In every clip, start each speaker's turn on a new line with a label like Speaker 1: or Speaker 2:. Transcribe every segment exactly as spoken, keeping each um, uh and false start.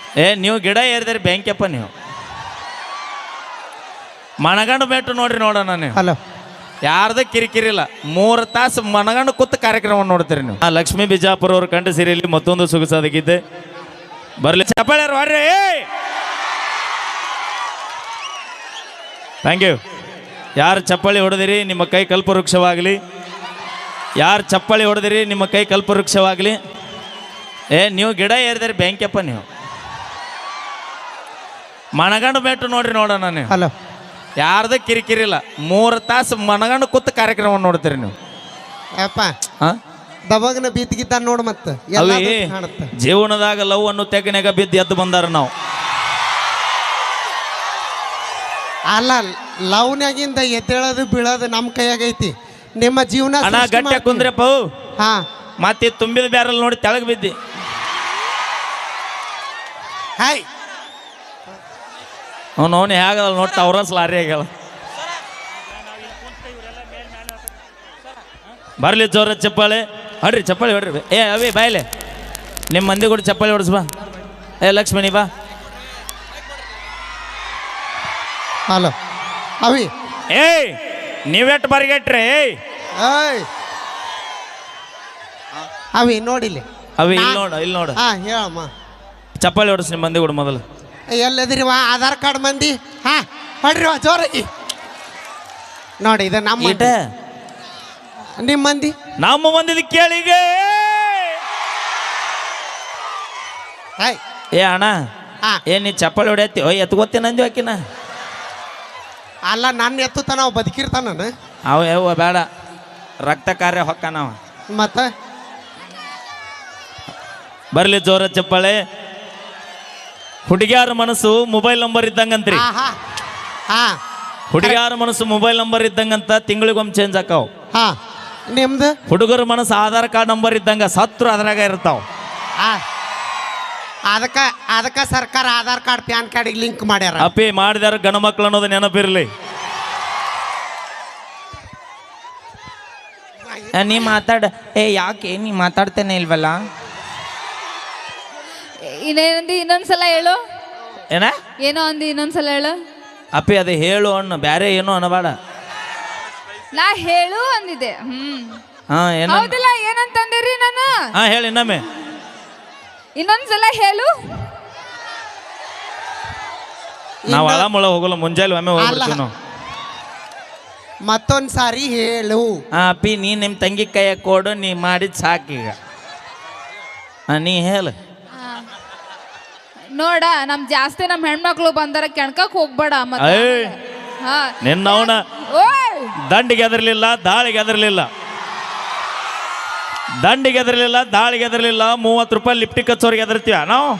Speaker 1: ಏ ನೀವು ಗಿಡ ಏರಿದ್ರಿ ಬ್ಯಾಂಕಪ್ಪ ನೀವು ಮನಗಂಡು ಬೆಟ್ಟು ನೋಡ್ರಿ ನೋಡೋಣ ನೀವು.
Speaker 2: ಹಲೋ
Speaker 1: ಯಾರ್ದ ಕಿರಿಕಿರಿಲ್ಲ, ಮೂರು ತಾಸು ಮನಗಂಡು ಕೂತು ಕಾರ್ಯಕ್ರಮ ನೋಡ್ತೀರಿ ನೀವು. ಆ ಲಕ್ಷ್ಮೀ ಬಿಜಾಪುರ ಅವ್ರ ಕಂಠ ಸಿರಿಯಲ್ಲಿ ಮತ್ತೊಂದು ಸೊಗಸಾದ ಗೀತೆ ಬರ್ಲಿ. ಚಪ್ಪಾಳೆ ಹೊಡ್ರಿ. Thank you. ಯಾರು ಚಪ್ಪಾಳಿ ಹೊಡೆದಿರಿ ನಿಮ್ಮ ಕೈ ಕಲ್ಪವೃಕ್ಷವಾಗಲಿ. ಯಾರು ಚಪ್ಪಾಳಿ ಹೊಡೆದಿರಿ ನಿಮ್ಮ ಕೈ ಕಲ್ಪವೃಕ್ಷವಾಗಲಿ. ಏ ನೀವು ಗಿಡ ಏರಿದ್ರಿ ಬ್ಯಾಂಕಪ್ಪ ನೀವು ಮನಗಂಡು ಬೆಟ್ಟು ನೋಡ್ರಿ ನೋಡೋಣ ನೀವು.
Speaker 2: ಹಲೋ
Speaker 1: ಯಾರ್ದ ಕಿರಿಕಿರಿಲ್ಲ, ಮೂರು ತಾಸು ಮನಗಂಡು ಕೂತು ಕಾರ್ಯಕ್ರಮ ನೋಡ್ತೀರಿ ನೀವು.
Speaker 2: ಯಪ್ಪ
Speaker 1: ಹಾಂ
Speaker 2: ದಬಗ್ನ ಬೀತಿಗಿದ್ದ ನೋಡು ಮತ್ತೆ
Speaker 1: ಅವಿ ಜೀವನದಾಗ ಲವ್ ಅನ್ನು ತೆಗನೆಗ ಬಿದ್ದು ಎದ್ದು ಬಂದಾರ ನಾವು.
Speaker 2: ಅಲ್ಲ ಲವ್ನಾಗಿಂದ ಎದ್ದೇಳೋದು ಬೀಳೋದು ನಮ್ಮ ಕೈಯಾಗೈತಿ. ನಿಮ್ಮ ಜೀವನ
Speaker 1: ಅಣ್ಣ ಗಟ್ಟ ಕುಂದ್ರಪ್ಪ.
Speaker 2: ಹಾ
Speaker 1: ಮತ್ತೆ ತುಂಬಿದ ಬ್ಯಾರಲ್ ನೋಡಿ ತೆಳಗ್ ಬಿದ್ದಿ.
Speaker 2: ಹಾಯ್
Speaker 1: ಅವ್ನು ಅವನು ಹೇಗಲ್ಲ ನೋಡ್ತಾ ಅವ್ರ ಲಾರಿ ಆಗ್ಯಾಳ. ಬರ್ಲಿ ಜೋರ ಚಪ್ಪಾಳೆ ಹೊಡ್ರಿ, ಚಪ್ಪಾಳೆ ಹೊಡ್ರಿ. ಏ ಅವಿ ಬಾಯ್ಲೆ ನಿಮ್ಮ ಮಂದಿ ಕೂಡ ಚಪ್ಪಾಳೆ ಹೊಡ್ಸ್ ಬಾ. ಏ ಲಕ್ಷ್ಮಣಿ ಬಾ.
Speaker 2: ಹಲೋ ಅವಿ
Speaker 1: ಏಯ್ ನೀವೆಟ್ಟು ಬರಿಗೆಟ್ರಿ. ಏಯ್
Speaker 2: ಏಯ್ ಅವಿ ನೋಡಿಲಿ
Speaker 1: ಅವಿ ಇಲ್ಲಿ ನೋಡು, ಇಲ್ಲಿ ನೋಡು.
Speaker 2: ಹಾ ಹೇಳಮ್ಮ.
Speaker 1: ಚಪ್ಪಾಳೆ ಹೊಡ್ಸ್ ನಿಮ್ಮ ಮಂದಿ ಕೂಡ ಮೊದಲು.
Speaker 2: ಎಲ್ಲದಿರಿವ ಆಧಾರ್ ಕಾರ್ಡ್ ಮಂದಿ. ಹಾ ಹೊಡ್ರಿವ ಜೋರಾಗಿ ನೋಡಿ. ಇದು ನಮ್ಮ
Speaker 1: ಈಟ
Speaker 2: ನಿಮ್ಮ ಮಂದಿ
Speaker 1: ನಮ್ಮ ಮಂದಿದ ಕೇಳಿಗೆ.
Speaker 2: ಹಾಯ್
Speaker 1: ಏ ಅಣ್ಣ
Speaker 2: ಹಾ
Speaker 1: ಏ ನೀ ಚಪ್ಪಾಳೆ ಹೊಡ್ಯತ್ತಿ ಓ ಎತ್ಕೋತೀನಿ ಅಂದ್ವಿ ಆಕಿನ.
Speaker 2: ಅಲ್ಲ ನನ್ನ ಎತ್ತುತ್ತ ನಾವು ಬದುಕಿರ್ತಾನ ನಾನು.
Speaker 1: ಅವ ಯಾವ ಬೇಡ ರಕ್ತ ಕಾರ್ಯ ಹೊಕ್ಕ ನಾವು.
Speaker 2: ಮತ್ತೆ
Speaker 1: ಬರ್ಲಿ ಜೋರ ಚಪ್ಪಾಳೆ. ಹುಡುಗಿಯಾರ ಮನಸ್ಸು ಮೊಬೈಲ್ ನಂಬರ್ ಇದ್ದಂಗಂತ್ರಿ.
Speaker 2: ಹಾ ಹಾ
Speaker 1: ಹುಡುಗಿಯಾರ ಮನಸ್ಸು ಮೊಬೈಲ್ ನಂಬರ್ ಇದ್ದಂಗಂತ ತಿಂಗಳಿಗೊಮ್ಮೆ ಚೇಂಜ್ ಆಕಾವ್.
Speaker 2: ಹಾ ನಿಮ್ದು
Speaker 1: ಹುಡುಗರ ಮನಸ್ಸು ಆಧಾರ್ ಕಾರ್ಡ್ ನಂಬರ್ ಇದ್ದಂಗ ಸತ್ರು ಅದ್ರಾಗ ಇರ್ತಾವ.
Speaker 2: ಹಾ ಅದಕ್ಕೆ ಅದಕ್ಕೆ ಸರ್ಕಾರ ಆಧಾರ್ ಕಾರ್ಡ್ ಪ್ಯಾನ್ ಕಾರ್ಡಿಗೆ ಲಿಂಕ್ ಮಾಡ್ಯಾರ.
Speaker 1: ಅಪ್ಪಿ ಮಾಡಿದಾರ ಗಣ ಮಕ್ಳು ಅನ್ನೋದು ನೆನಪಿರ್ಲಿ. ನೀ ಮಾತಾಡ. ಏ ಯಾಕೆ ನೀ ಮಾತಾಡ್ತೇನೆ ಇಲ್ವಲ್ಲ.
Speaker 3: ಇನ್ನೇನಂದಿ ಇನ್ನೊಂದ್ಸಲ ಹೇಳು.
Speaker 1: ಏನ
Speaker 3: ಏನೋ ಅಂದಿ ಇನ್ನೊಂದ್ಸಲ ಹೇಳು.
Speaker 1: ಅಪ್ಪಿ ಅದು ಹೇಳು ಅಣ್ಣ, ಬ್ಯಾರೆ ಏನೋ ಅನ್ನಬೇಡ.
Speaker 3: ನಾ ಹೇಳು ಅಂದಿದ್ದೆ. ಹ್ಮ್
Speaker 1: ಹಾ ಏನ
Speaker 3: ಹೌದಿಲ್ಲ ಏನಂತಂದಿರಿ ನಾನು.
Speaker 1: ಹಾ ಹೇಳಿ ಇನ್ನೊಮ್ಮೆ.
Speaker 3: ಇನ್ನೊಂದ್ಸಲ ಹೇಳು.
Speaker 1: ನಾವು ಅಳ ಮುಳ ಹೋಗಲ್ಲ, ಮುಂಜಾನೆ ಒಮ್ಮೆ ಹೋಗ್ಬಿಡ್ತೀವಿ ನಾವು.
Speaker 2: ಮತ್ತೊಂದ್ ಸಾರಿ ಹೇಳು.
Speaker 1: ಹಾ ಅಪ್ಪಿ ನೀ ನಿಮ್ಮ ತಂಗಿ ಕೈಯ ಕೊಡು, ನೀ ಮಾಡಿದ್ ಸಾಕೀಗ. ಹಾ ನೀ ಹೇಳು.
Speaker 3: ನೋಡ ನಮ್ ಜಾಸ್ತಿ ನಮ್ ಹೆಣ್ಮಕ್ಳು ಬಂದಾರ ಕೆಣ್ಕಕ್ ಹೋಗ್ಬೇಡ ಮತ್ತೆ. ಹಾ
Speaker 1: ನಿನ್ನವನ
Speaker 3: ಓಯ್
Speaker 1: ದಂಡಿಗೆ ಎದರ್ಲಿಲ್ಲ, ದಾಳಿಗೆ ಎದರ್ಲಿಲ್ಲ. ದಂಡಿಗೆ ಎದರ್ಲಿಲ್ಲ, ದಾಳಿಗೆ ಎದರ್ಲಿಲ್ಲ. ಮೂವತ್ತು ರೂಪಾಯಿ ಲಿಫ್ಟಿಕ್ ಹಚ್ಚೋರಿಗೆ ಎದರ್ತೀವ ನಾವು.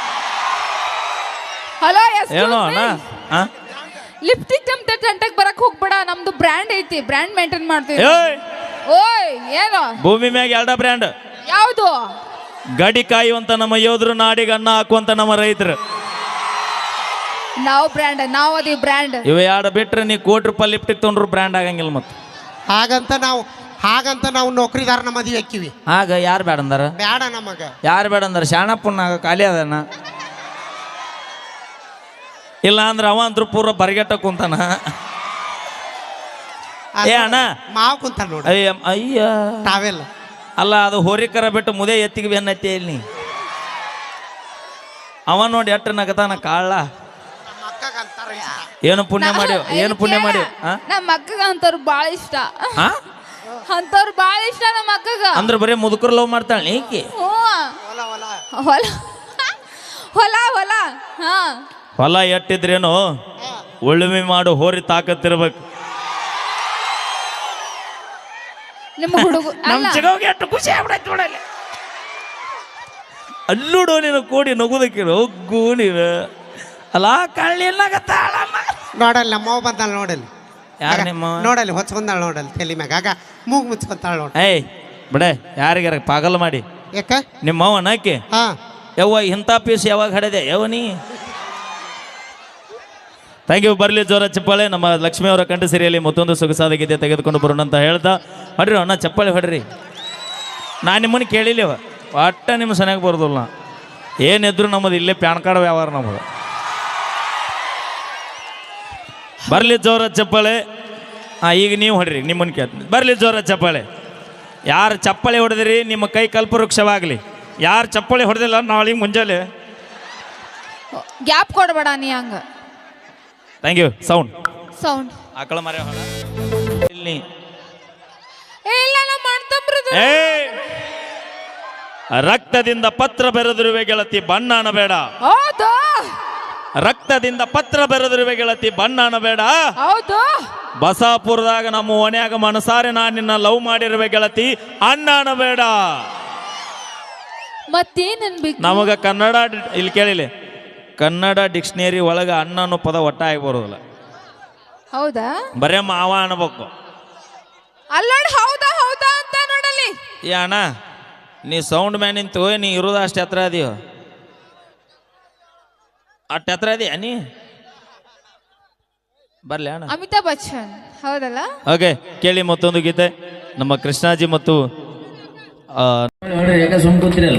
Speaker 3: ಹಲೋ
Speaker 1: ಏನೋ ಅಣ್ಣ. ಹಾ
Speaker 3: ಲಿಪ್ಟಿಕ್ ನಮ್ ಗಂಟೆಗೆ ಬರಕ್ ಹೋಗ್ಬೇಡ. ನಮ್ದು ಬ್ರ್ಯಾಂಡ್ ಐತಿ, ಬ್ರ್ಯಾಂಡ್ ಮೇಂಟೈನ್ ಮಾಡ್ತೀವಿ.
Speaker 1: ಏಯ್
Speaker 3: ಓಯ್ ಏನು
Speaker 1: ಭೂಮಿ ಮ್ಯಾಗ ಎರಡ ಬ್ರ್ಯಾಂಡ್.
Speaker 3: ಯಾವುದು?
Speaker 1: ಗಡಿ ಕಾಯುವಂತ ನಮ್ಮ ಯೋಧರು, ನಾಡಿಗೆ ಅನ್ನ ಹಾಕುವಂತ ನಮ್ಮ ರೈತರು.
Speaker 3: ನಾವು ಬ್ರ್ಯಾಂಡ್, ನಾವು ಅದಿ ಬ್ರ್ಯಾಂಡ್.
Speaker 1: ಇವ ಎರಡು ಬಿಟ್ರೆ ನೀ ಕೋಟಿ ರೂಪಾಯಿ ಲಿಫ್ಟಿಕ್ ತೊಗೊಂಡ್ರು ಬ್ರ್ಯಾಂಡ್ ಆಗಂಗಿಲ್ಲ. ಮತ್ತೆ
Speaker 2: ಹಾಗಂತ ನಾವು ಹಾಗಂತ ನಾವು ನೌಕರಿದಾರನ ಮದುವೆ ಹಾಕಿವಿ.
Speaker 1: ಆಗ ಯಾರು ಬೇಡ ಅಂದಾರ?
Speaker 2: ಬೇಡ ನಮಗ.
Speaker 1: ಯಾರು ಬೇಡ ಅಂದಾರ? ಶಾಣಪ್ಪನಾಗ ಖಾಲಿ ಅದನ್ನ. ಇಲ್ಲ ಅಂದ್ರೆ ಅವ ಅಂದ್ರು ಪೂರ್ವ ಬರಿಗೆಟ್ಟ ಕುಂತಾನ. ಏ ಅಣ್ಣ
Speaker 2: ಮಾವು ಕುಂತ ನೋಡಿ.
Speaker 1: ಅಯ್ಯ ಅಯ್ಯ
Speaker 2: ತಾವೆಲ್ಲ
Speaker 1: ಅಲ್ಲ, ಅದು ಹೋರಿಕರ ಬಿಟ್ಟು ಮುದೆ ಎತ್ತಿಗೆ ಬೆನ್ನತ್ತಿ ಇಲ್ಲಿ. ಅವ ನೋಡಿ ಎಟ್ಟ ನಗತಾನ ಕಾಳ. ಏನು ಪುಣ್ಯ ಮಾಡ್ಯವ, ಏನು ಪುಣ್ಯ ಮಾಡ್ಯವ.
Speaker 3: ನಮ್ಮ ಅಕ್ಕಗ ಅಂತವ್ರು ಬಾಳ ಇಷ್ಟ. ಅಂತವ್ರು ಬಾಳ ಇಷ್ಟ ನಮ್ಮ ಅಕ್ಕಗ.
Speaker 1: ಅಂದ್ರೆ ಬರೀ ಮುದುಕರು ಲವ್ ಮಾಡ್ತಾಳೆ ಈಕಿ.
Speaker 3: ಹೊಲ ಹೊಲ ಹೊಲ ಹಾ
Speaker 1: ಹೊಲ ಎಟ್ಟಿದ್ರೇನು ಉಳುಮೆ ಮಾಡು ಹೋರಿ ತಾಕತ್ತಿರ್ಬೇಕು.
Speaker 3: ನಿಮ್ಮ ಹುಡುಗ
Speaker 1: ನಮ್ಮ ಚಿಗವ್ಗೆ ಎಷ್ಟು ಖುಷಿ ಆಗ್ಬಿಡೈತೆ ನೋಡಲ್ಲಿ. ಅಲ್ಲೂಡು ನೀನು ಕೂಡಿ ನಗುದಕ್ಕೆ ಹೋಗು ನೀನು. ಅಲ್ಲ ಕಳ್ಳಿ ಏನಾಗತ್ತಾಳ
Speaker 2: ನೋಡಲ್ಲ ನಮ್ಮವ್ ಬಂದಾಳ ನೋಡಲ್ಲಿ.
Speaker 1: ಯಾರು ನಿಮ್ಮ
Speaker 2: ನೋಡಲ್ಲಿ ಹೊಚ್ಕೊಂಡಾಳ ನೋಡಲ್ಲಿ ತಲೆ ಮ್ಯಾಗ. ಆಗ ಮೂಗ್ ಮುಚ್ಕೊಂತಾಳ ನೋಡ.
Speaker 1: ಏಯ್ ಬಿಡೆ ಯಾರಿಗಾರ ಪಾಗಲ್ ಮಾಡಿ.
Speaker 2: ಯಾಕ
Speaker 1: ನಿಮ್ಮ ಅವನ ಆಕಿ
Speaker 2: ಹಾ
Speaker 1: ಯವ್ವ ಇಂಥ ಪೀಸ್ ಯಾವಾಗ ಹಡೆದೆ ಯವ ನೀ. Thank you. ಬರಲಿ ಜೋರ ಚಪ್ಪಾಳೆ. ನಮ್ಮ ಲಕ್ಷ್ಮಿ ಅವರ ಕಂಠ ಸಿರಿಯಲ್ಲಿ ಮತ್ತೊಂದು ಸೊಗಸಾದ ಗೀತೆ ತೆಗೆದುಕೊಂಡು ಬರೋಣ ಅಂತ ಹೇಳ್ತಾ ಹೊಡ್ರಿ ಅಣ್ಣ ಚಪ್ಪಾಳೆ ಹೊಡ್ರಿ. ನಾನು ನಿಮ್ಮನ್ನು ಕೇಳಿಲ್ಲವ ಒಟ್ಟ ನಿಮ್ಮ ಸನಿಯಾಗಿ ಬರೋದಿಲ್ಲ. ಏನಿದ್ರು ನಮ್ಮದು ಇಲ್ಲೇ ಪ್ಯಾನ್ ಕಾರ್ಡ್ ವ್ಯವಹಾರ ನಮ್ಮದು. ಬರಲಿ ಜೋರ ಚಪ್ಪಾಳೆ. ಹಾಂ, ಈಗ ನೀವು ಹೊಡ್ರಿ, ನಿಮ್ಮನ್ನು ಕೇಳ್ತೀನಿ. ಬರಲಿ ಜೋರ ಚಪ್ಪಾಳೆ. ಯಾರು ಚಪ್ಪಾಳೆ ಹೊಡೆದಿರಿ ನಿಮ್ಮ ಕೈ ಕಲ್ಪವೃಕ್ಷವಾಗಲಿ. ಯಾರು ಚಪ್ಪಾಳೆ ಹೊಡೆದಿಲ್ಲ ನಾಳೆ ಮುಂಜಾನೆ
Speaker 3: ಗ್ಯಾಪ್ ಕೊಡಬೇಡ ನೀ ಹಂಗ.
Speaker 1: Thank you. ಸೌಂಡ್
Speaker 3: ಸೌಂಡ್
Speaker 1: ಆಕಳ ಮರ ಹೊಡ ಇಲ್ಲಿ.
Speaker 3: ಏ ಇಲ್ಲ ನಮ್ಮ ಮಾಡ್ತಂಬ್ರದು.
Speaker 1: ಏ ರಕ್ತದಿಂದ ಪತ್ರ ಬೆರೆದಿರುವೆ ಗೆಳತಿ, ಬಣ್ಣ ಅನ್ನಬೇಡ.
Speaker 3: ಹೌದು
Speaker 1: ರಕ್ತದಿಂದ ಪತ್ರ ಬೆರೆದಿರುವೆ ಗೆಳತಿ, ಬಣ್ಣ ಅನ್ನಬೇಡ.
Speaker 3: ಹೌದು
Speaker 1: ಬಸಾಪುರದಾಗ ನಮ್ಮ ಓಣ್ಯಾಗ ಮನಸಾರೆ ನಾನು ನಿನ್ನ ಲವ್ ಮಾಡಿರುವೆ ಗೆಳತಿ, ಅಣ್ಣ ಅನ್ನಬೇಡ.
Speaker 3: ಮತ್ತೇನ್ ಅನ್ಬೇಕು?
Speaker 1: ನಮಗ ಕನ್ನಡ ಡಿ- ಇಲ್ಲಿ ಕೇಳಿಲಿ, ಕನ್ನಡ ಡಿಕ್ಷನರಿ ಒಳಗೆ ಅಣ್ಣ ಅನ್ನೋ ಪದ ಒಟ್ಟಾಗಿ ಬರೋದಿಲ್ಲ.
Speaker 3: ಹೌದಾ?
Speaker 1: ಬರೇ ಮಾವ ಅನ್ಬೇಕು.
Speaker 3: ಅಲ್ಲಾಡ್ ಹೌದಾ ಹೌದಾ ಅಂತ ನೋಡಲಿ.
Speaker 1: ಏ ಅಣ್ಣ, ನೀ ಸೌಂಡ್ ಮ್ಯಾನ್ ನಿಂತು ನೀ ಇರೋದು ಅಷ್ಟು ಎತ್ತರ ಅದೀವ, ಅಷ್ಟು ಎತ್ತರ ಇದೀಯ ನೀ. ಬರ್ಲಿ ಅಣ್ಣ.
Speaker 3: ಅಮಿತಾಬ್ ಬಚ್ಚನ್ ಹೌದಲ್ಲ?
Speaker 1: ಓಕೆ, ಕೇಳಿ ಮತ್ತೊಂದು ಗೀತೆ ನಮ್ಮ ಕೃಷ್ಣಾಜಿ ಮತ್ತು ಆ,
Speaker 4: ನೋಡ್ರಿ ಯಾಕೆ ಸುಮ್ ಕೂತಿರಲ್ಲ.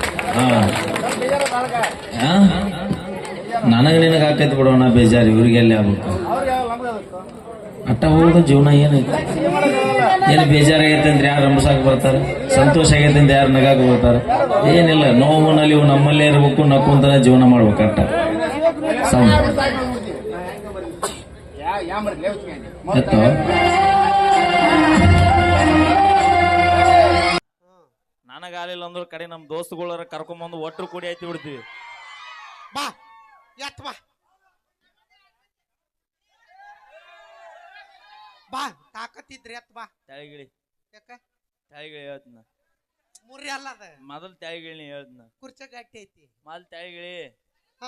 Speaker 4: ನನಗೆ ನಿನಗೆ ಆಕೈತಿ ಬಿಡೋಣ ಬೇಜಾರು, ಇವ್ರಿಗೆ ಎಲ್ಲಿ ಆಗ್ಬೇಕು. ಅಟ್ಟ ಹೋಗೋದು ಜೀವನ ಏನೈತಿ. ಏನು ಬೇಜಾರಾಗೈತೆ ಅಂದ್ರೆ ಯಾರು ರಂಬಸಾಕ್ ಬರ್ತಾರೆ, ಸಂತೋಷ ಆಗೈತೆ ಅಂದ್ರೆ ಯಾರು ನಗಾಕ ಬರ್ತಾರೆ. ಏನಿಲ್ಲ, ನೋವು ನಲಿವು ನಮ್ಮಲ್ಲೇ ಇರ್ಬೇಕು, ನಕ್ಕೊಂತಾನೆ ಜೀವನ ಮಾಡ್ಬೇಕು. ಅಟ್ಟ ಸೌಂಡ್ ಎತ್ತೋ.
Speaker 1: ನನಗಾಲಿಲ್ಲ ಅಂದ್ರೆ ಕಡೆ ನಮ್ಮ ದೋಸ್ತುಗಳರ ಕರ್ಕೊಂಬಂದು ಒಟ್ಟರು ಕೂಡಿ ಆಯ್ತು ಬಿಡ್ತೀವಿ.
Speaker 2: ಬಾ ಎತ್ ಬಾ ಬಾ ತಾಕತ್ತಿದ್ರಿ ಎತ್ ಬಾ.
Speaker 1: ತೆಳಗಿಳಿ
Speaker 2: ಯಾಕ
Speaker 1: ತೆಳಗಿಳಿ ಹೇಳ್ತನ,
Speaker 2: ಮುರಿ ಅಲ್ಲ ಅದ,
Speaker 1: ಮೊದಲು ತೆಳಗಿಳಿ ಹೇಳ್ತನ.
Speaker 2: ಕುರ್ಚ ಗಟ್ಟಿ ಐತಿ.
Speaker 1: ಮೊದಲು ತೆಳಗಿಳಿ.
Speaker 2: ಹಾ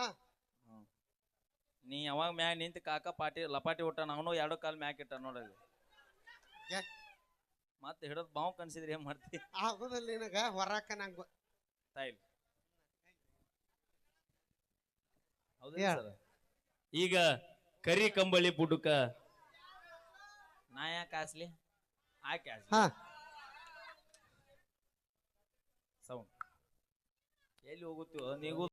Speaker 1: ನೀ ಯಾವಾಗ ಮ್ಯಾಗ ನಿಂತು ಕಾಕ ಪಾಟಿ ಲಪಾಟಿ ಊಟ ನಾವು ಎರಡು ಕಾಲು ಮ್ಯಾಕ್ ಇಟ್ಟ ನೋಡಲ್ಲಿ. ಮತ್ತೆ ಹಿಡಿದು ಬಾವು ಕನ್ಸಿದ್ರಿ ಏನ್ ಮಾಡ್ತಿ?
Speaker 2: ಆಗುದಿಲ್ಲ ನಿನಗ ಹೊರಾಕ ನಂಗ
Speaker 1: ತಾಯಿಲ್. ಹೌದಾ
Speaker 2: ಹೇಳ್.
Speaker 1: ಸರ್? ಈಗ ಕರಿ ಕಂಬಳಿ ಬುಡುಕ ನಾ ಯಾಕೆ ಹಾಸ್ಲಿ, ಆಕೆ ಹಾಸ್ಲಿ.
Speaker 2: ಹಾ
Speaker 1: ಸೌಂಡ್ ಎಲ್ಲಿ ಹೋಗುತ್ತೋ ನೀವು